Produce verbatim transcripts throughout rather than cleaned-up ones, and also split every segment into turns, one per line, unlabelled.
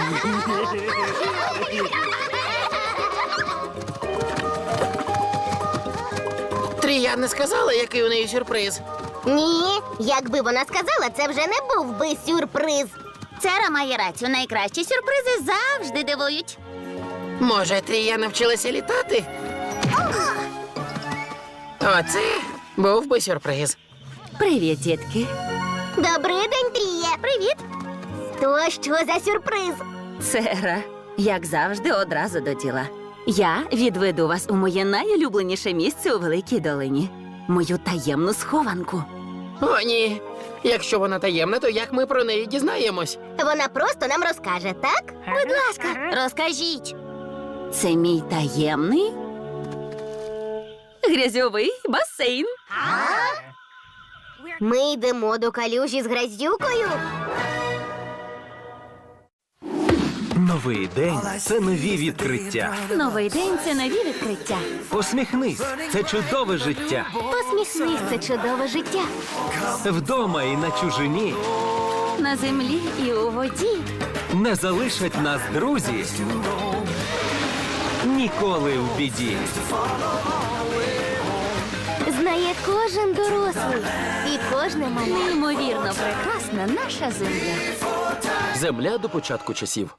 Трія не сказала, який у неї сюрприз.
Ні, якби вона сказала, це вже не був би сюрприз.
Цера має рацію. Найкращі сюрпризи завжди дивують.
Може, Трія навчилася літати? Оце був би сюрприз.
Привіт, дітки.
Добрий день, Тріє. Привіт. То що за сюрприз?
Цера, як завжди, одразу до діла. Я відведу вас у моє найулюбленіше місце у Великій долині. Мою таємну схованку.
О, ні. Якщо вона таємна, то як ми про неї дізнаємось?
Вона просто нам розкаже, так?
Будь ласка, розкажіть.
Це мій таємний грязьовий басейн.
Ми йдемо до калюжі з грязюкою.
Новий день – це нові відкриття.
Новий день – це нові відкриття.
Посміхнись – це чудове життя.
Посміхнись, це чудове життя.
Вдома і на чужині
На землі і у воді.
не залишать нас друзі. Ніколи в біді.
Знає кожен дорослий і кожне мале.
Неймовірно прекрасна наша земля.
Земля до початку часів.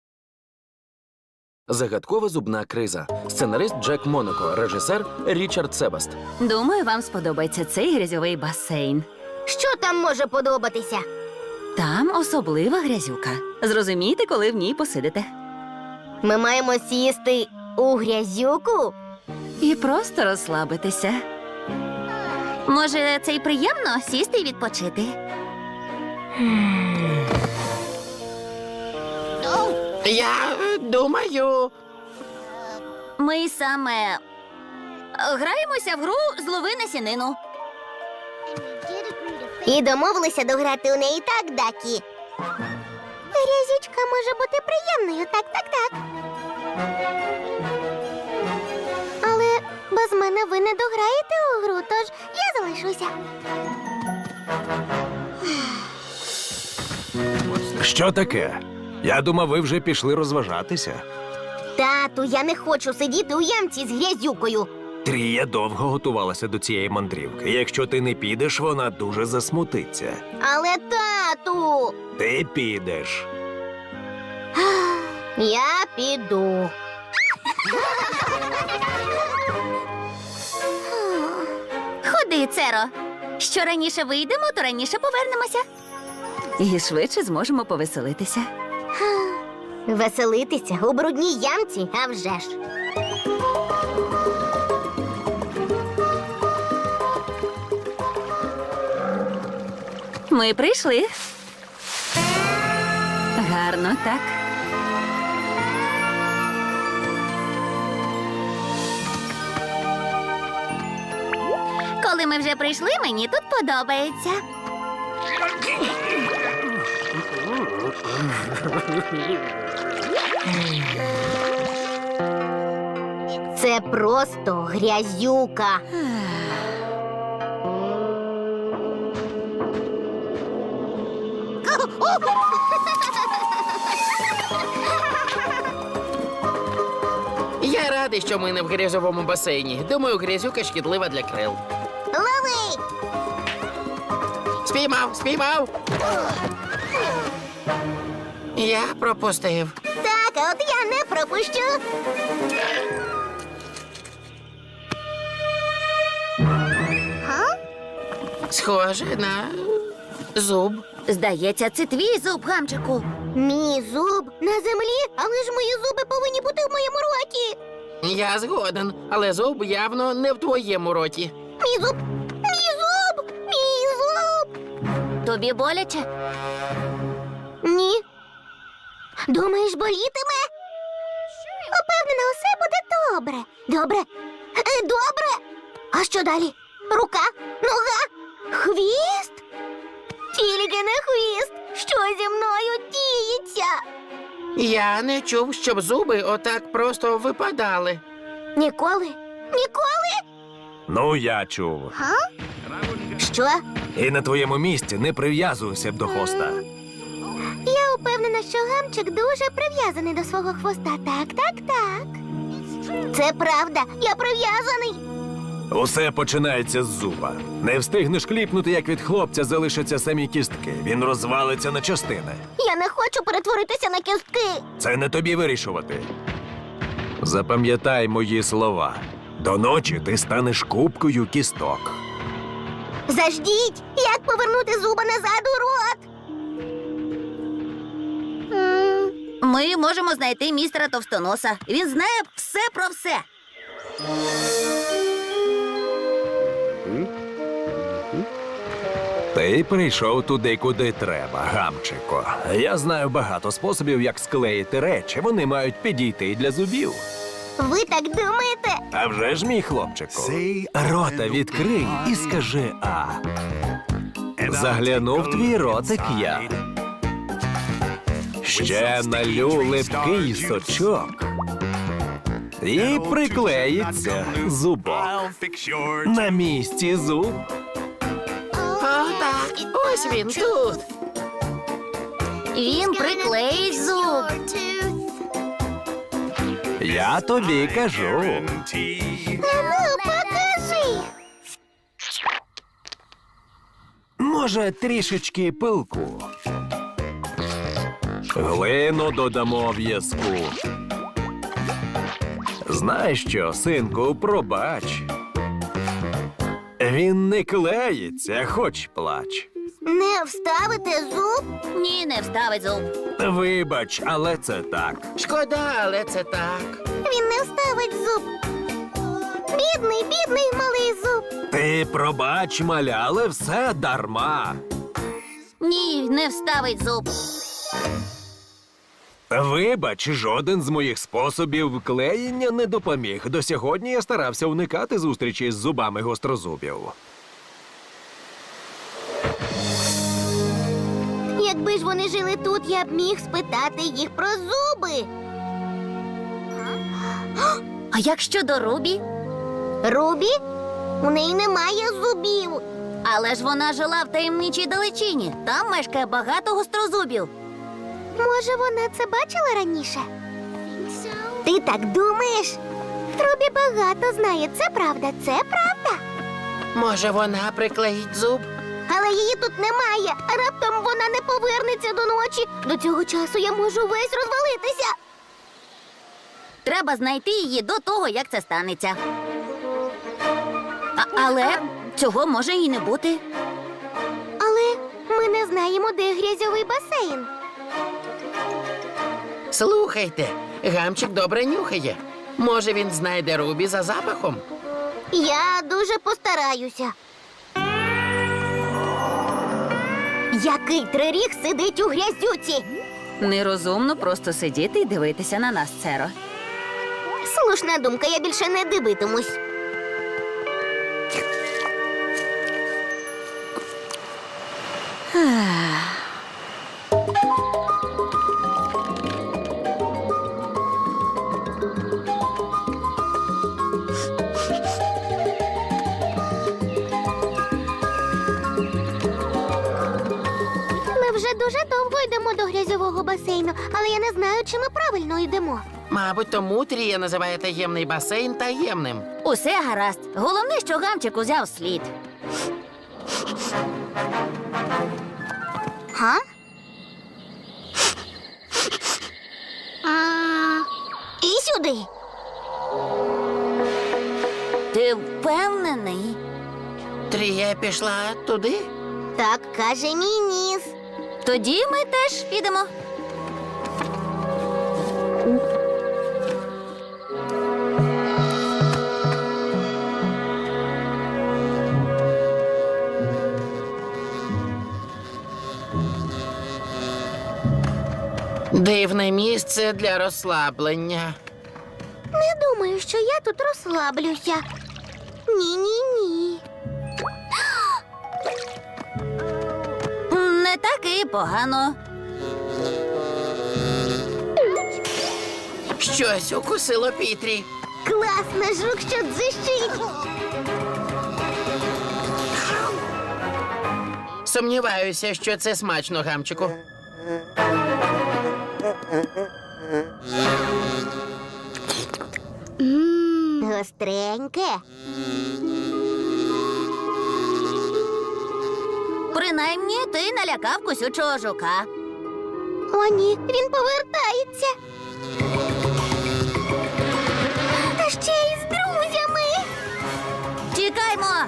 Загадкова зубна криза. Сценарист Джек Монако, режисер Річард Себаст.
Думаю, вам сподобається цей грязьовий басейн.
Що там може подобатися?
Там особлива грязюка. Зрозумійте, коли в ній посидите.
Ми маємо сісти у грязюку?
І просто розслабитися.
Може, це й приємно сісти і відпочити.
Я е, думаю.
Ми саме е, граємося в гру «Злови насінину».
І домовилися дограти у неї, так, Дакі? Грязючка може бути приємною, так, так, так. Але без мене ви не дограєте у гру, тож я залишуся.
Що таке? Я думав, ви вже пішли розважатися.
Тату, я не хочу сидіти у ямці з грязюкою.
Трія довго готувалася до цієї мандрівки. Якщо ти не підеш, вона дуже засмутиться.
Але, тату,
Ти підеш.
я піду.
Ходи, Церо. Що раніше вийдемо, то раніше повернемося.
І швидше зможемо повеселитися.
Веселитися у брудній ямці, а вже ж.
Ми прийшли. Гарно, так?
Коли ми вже прийшли, мені тут подобається.
Це просто грязюка.
Я радий, що ми не в грязьовому басейні. Думаю, грязюка шкідлива для крил.
Лови!
Спіймав, спіймав. Я пропустив.
Так, а от я не пропущу. Га?
Схоже на зуб.
Здається, це твій зуб, гамчику.
Мій зуб на землі, але ж мої зуби повинні бути в моєму роті.
Я згоден, але зуб явно не в твоєму роті.
Мій зуб! Мій зуб! Мій зуб!
Тобі боляче?
Ні. Думаєш, болітиме? Упевнена, усе буде добре. Добре? Е, Добре? А що далі? Рука? Нога? Хвіст? Тільки не хвіст. Що зі мною діється?
Я не чув, щоб зуби отак просто випадали.
Ніколи? Ніколи?
Ну, я чув.
Що?
І на твоєму місці не прив'язуйся б до хвоста.
Я упевнена, впевнена, що гамчик дуже прив'язаний до свого хвоста. Так, так, так. Це правда, я прив'язаний.
Усе починається з зуба. Не встигнеш кліпнути, як від хлопця залишаться самі кістки. Він розвалиться на частини.
Я не хочу перетворитися на кістки.
Це не тобі вирішувати. Запам'ятай мої слова. До ночі ти станеш кубкою кісток.
Заждіть, як повернути зуба назад у рот? М,
Ми можемо знайти містера Товстоноса. Він знає все про все.
Ти прийшов туди, куди треба, гамчико. Я знаю багато способів, як склеїти речі. Вони мають підійти і для зубів.
Ви так думаєте?
А вже ж, мій хлопчику, рота відкрий і скажи А. Заглянув твій ротик я. Ще налю липкий сочок. І приклеїться зубок. На місці зуб.
О, так, ось він тут.
Він приклеїть зуб.
Я тобі кажу.
Ну, покажи.
Може, трішечки пилку. Глину додамо в'язку. Знаєш що, синку, пробач. Він не клеїться, хоч плач.
Не вставите зуб?
Ні, не вставить зуб.
Вибач, але це так.
Шкода, але це так.
Він не вставить зуб. Бідний, бідний малий зуб.
Ти пробач, маля, але все дарма.
Ні, не вставить зуб.
Вибач, жоден з моїх способів клеєння не допоміг. До сьогодні я старався уникати зустрічі з зубами гострозубів.
Якби ж вони жили тут, я б міг спитати їх про зуби.
А як щодо Рубі?
Рубі? У неї немає зубів.
Але ж вона жила в таємничій далечині. Там мешкає багато гострозубів.
Може, вона це бачила раніше? Ти так думаєш? Рубі багато знає. Це правда, це правда.
Може, вона приклеїть зуб?
Але її тут немає, а раптом вона не повернеться до ночі. До цього часу я можу весь розвалитися.
Треба знайти її до того, як це станеться. А, але цього може і не бути.
Але ми не знаємо, де грязьовий басейн.
Слухайте, гамчик добре нюхає. Може, він знайде Рубі за запахом?
Я дуже постараюся. Який триріг сидить у грязюці?
Нерозумно просто сидіти і дивитися на нас, Церо.
Слушна думка, я більше не дивитимусь. Ми вже дуже довго йдемо до грязьового басейну, але я не знаю, чи ми правильно йдемо.
Мабуть, тому Трія називає таємний басейн таємним.
Усе гаразд. Головне, що гамчик узяв слід.
Га? І сюди.
Ти впевнений?
Трія пішла туди?
Так каже мій ніс.
Тоді ми теж підемо.
Дивне місце для розслаблення.
Не думаю, що я тут розслаблюся. Ні-ні-ні.
Не так і погано.
Щось укусило Пітрі.
Класна жук, що дзищить.
Сумніваюся, що це смачно, гамчику.
Мм, гостреньке.
Принаймні, ти налякав кусючого жука.
О, ні, він повертається. Та ще й з друзями.
Тікаймо!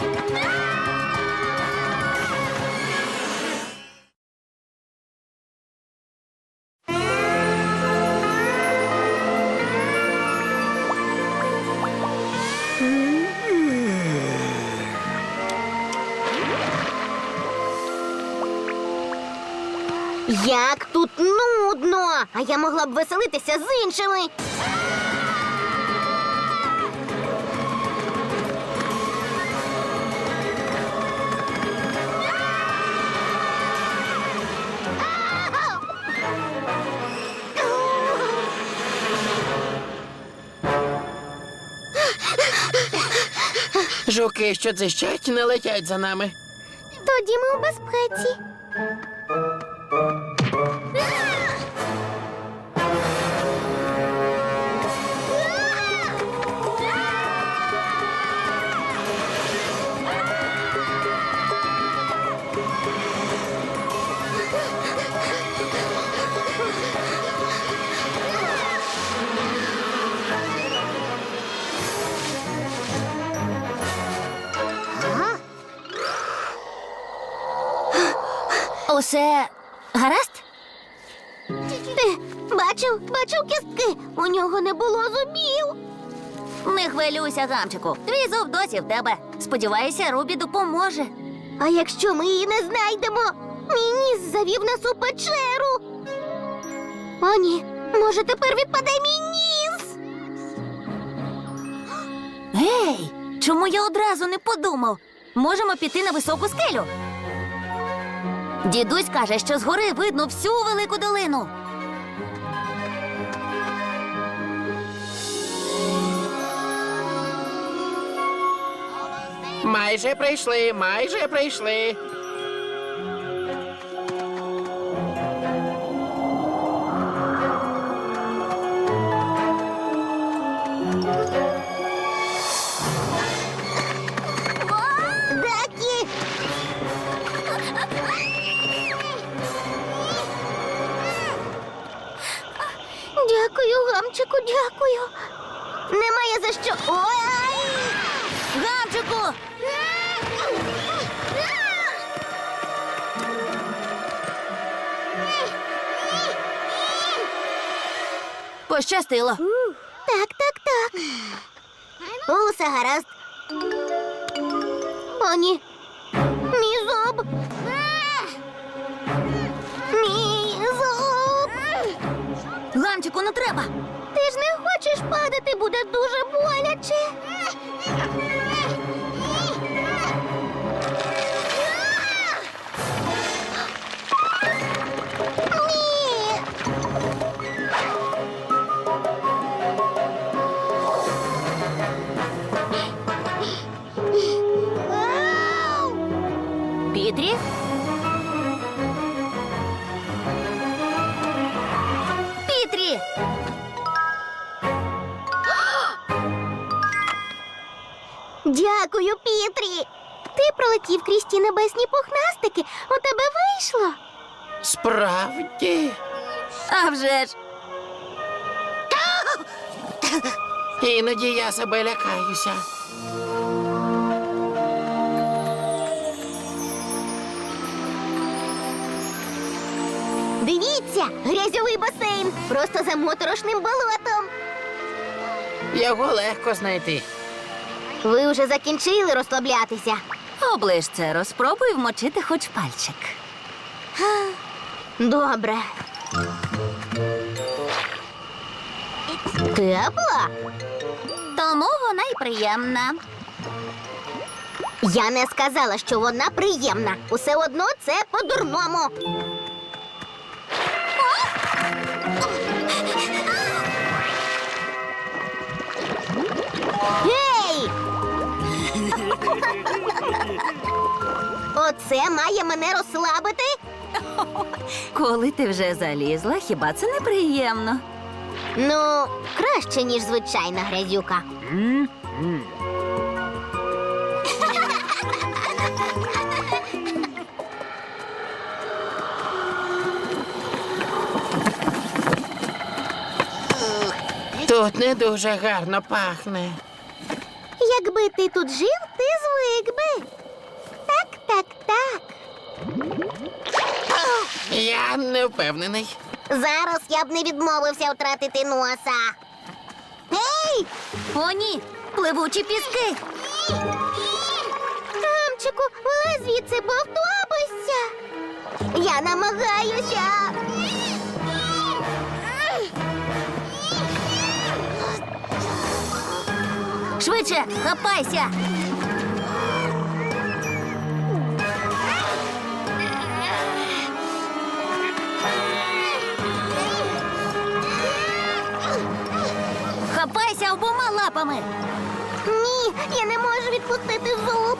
Як тут нудно! А я могла б веселитися з іншими.
Жуки, що дзищать, не летять за нами.
Тоді ми у безпеці.
Усе гаразд?
Ти бачив, бачив кістки. У нього не було зубів.
Не хвилюйся, гамчику. Твій зуб досі в тебе. Сподіваюся, Рубі допоможе.
А якщо ми її не знайдемо, мій ніс завів нас у печеру. О, ні, може тепер відпаде мій ніс.
Гей, чому я одразу не подумав? Можемо піти на високу скелю. Дідусь каже, що згори видно всю велику долину.
Майже прийшли, майже прийшли.
Дакі! Дякую, гамчику, дякую. Немає за що. Ой!
Гамчику! Пощастило.
Так, так, так. Усе гаразд. О, ні. Мій зуб. Мій зуб.
Гамчику, не треба.
Ти ж не хочеш падати, буде дуже боляче. Ні.
Пітрі? Пітрі!
Дякую, Пітрі. Ти пролетів крізь ті небесні пухнастики. У тебе вийшло.
Справді.
А вже ж!
Іноді я себе лякаюся.
Дивіться, грязьовий басейн. Просто за моторошним болотом.
Його легко знайти.
Ви вже закінчили розслаблятися.
Оближ це, розпробуй вмочити хоч пальчик.
Добре. Тепла?
Тому вона й приємна.
Я не сказала, що вона приємна. Усе одно це по-дурному. Гей! Оце має мене розслабити?
Коли ти вже залізла, хіба це неприємно?
Ну, краще, ніж звичайна грязюка.
Тут не дуже гарно пахне.
Якби ти тут жив, ти звик би. Так, так, так.
Я не впевнений.
Зараз я б не відмовився втратити носа. Гей!
О, ні! Пливучі піски!
Гамчику, вилазь звідси, бо втопишся. Я намагаюся.
Швидше, хапайся! Хапайся обома лапами!
Ні, я не можу відпустити зуб.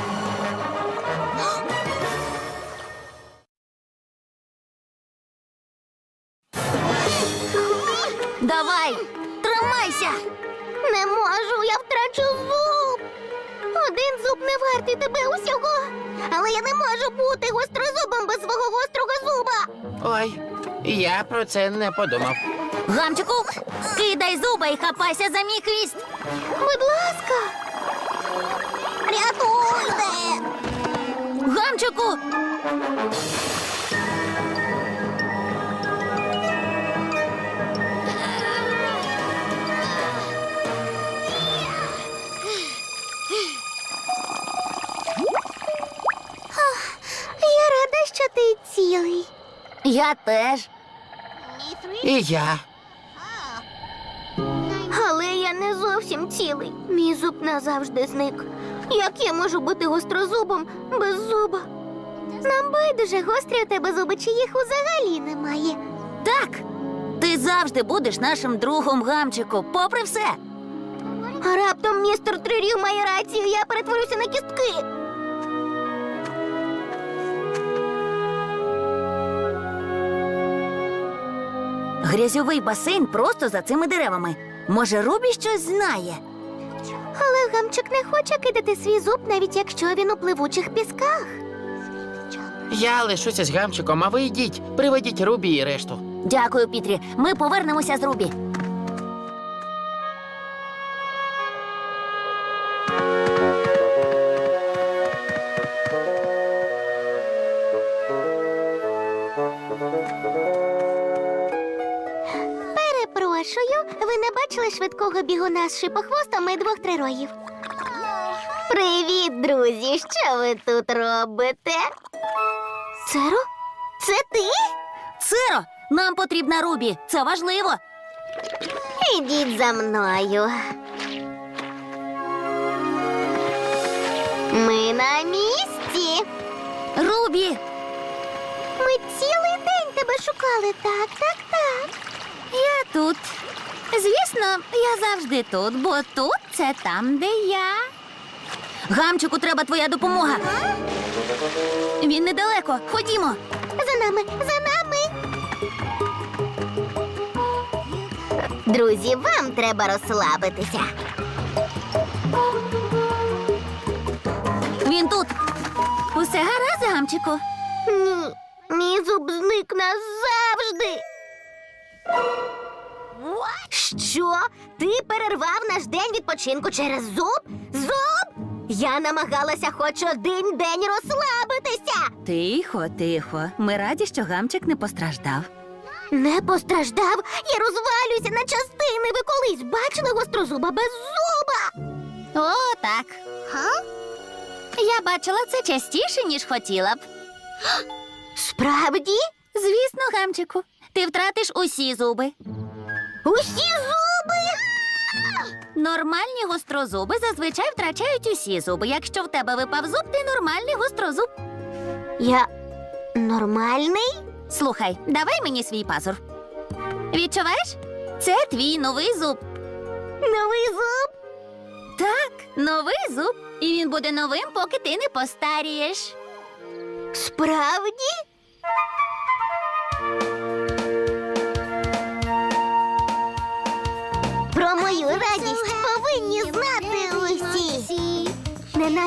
Давай! Тримайся!
Не можу, я втрачу зуб. Один зуб не вартий тебе усього. Але я не можу бути гострозубом без свого гострого зуба.
Ой, я про це не подумав.
Гамчику, кидай зуба і хапайся за мій хвіст!
Будь ласка. Рятуйте!
Гамчику!
Я рада, що ти цілий.
Я теж.
І я.
Але я не зовсім цілий. Мій зуб назавжди зник. Як я можу бути гострозубом без зуба? Нам байдуже, гострі у тебе зуби, чи їх взагалі немає.
Так, ти завжди будеш нашим другом, Гамчику, попри все.
А раптом містер Трирів має рацію, я перетворюся на кістки.
Грязьовий басейн просто за цими деревами. Може, Рубі щось знає?
Але Гамчик не хоче кидати свій зуб, навіть якщо він у пливучих пісках.
Я лишуся з гамчиком, а ви йдіть, приведіть Рубі і решту.
Дякую, Пітрі. Ми повернемося з Рубі.
Перепрошую, ви не бачили швидкого бігуна з шипохвостом і двох трироїв? Привіт, друзі! Що ви тут робите? Церо? Це ти?
Циро, нам потрібна Рубі. Це важливо.
Ідіть за мною. Ми на місці.
Рубі!
Ми цілий день тебе шукали. Так, так, так.
Я тут. Звісно, я завжди тут, бо тут це там, де я. Гамчику, треба твоя допомога. Він недалеко. Ходімо.
За нами, за нами. Друзі, вам треба розслабитися.
Він тут. Усе гаразд, Гамчику?
Ні, мій зуб зник назавжди. Що? Ти перервав наш день відпочинку через зуб? Зуб? Я намагалася хоч один день розслабитися.
Тихо, тихо. Ми раді, що гамчик не постраждав.
Не постраждав? Я розвалююся на частини. Ви колись бачили гострозуба без зуба?
О, так.
Га?
Я бачила це частіше, ніж хотіла б.
Справді?
Звісно, Гамчику. Ти втратиш усі зуби.
Усі зуби?
Нормальні гострозуби зазвичай втрачають усі зуби. Якщо в тебе випав зуб, ти нормальний гострозуб.
Я нормальний?
Слухай, давай мені свій пазур. Відчуваєш? Це твій новий зуб.
Новий зуб?
Так, новий зуб. І він буде новим, поки ти не постарієш.
Справді?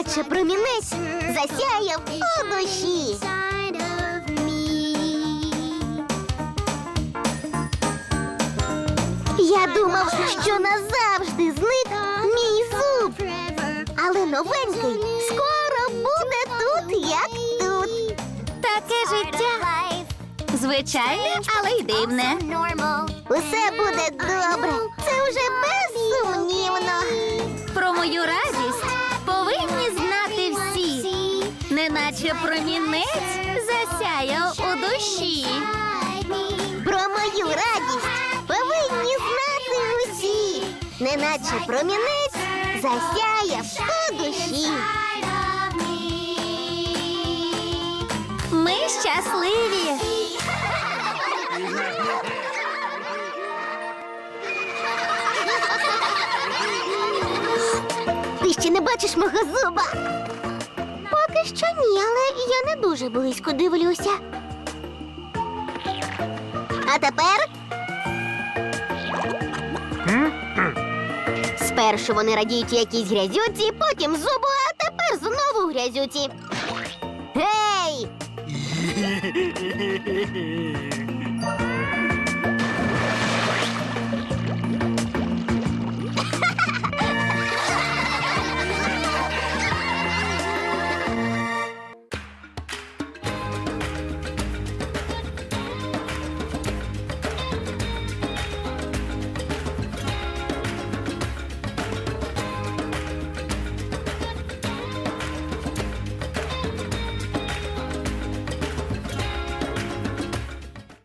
неначе промінець засяяв у душі. Я думав, що назавжди зник мій зуб. Але новенький скоро буде тут, як тут.
Таке життя. Звичайне, але й дивне.
Усе буде добре. Це вже безсумнівно.
Про мою радість повинні знати всі. Неначе промінець засяяв у душі.
Про мою радість повинні знати усі. Неначе промінець засяяв у душі.
Ми щасливі.
Ти ще не бачиш мого зуба? Поки що ні, але я не дуже близько дивлюся. А тепер. Спершу вони радіють якійсь грязюці, потім зубу, а тепер знову грязюці. Гей!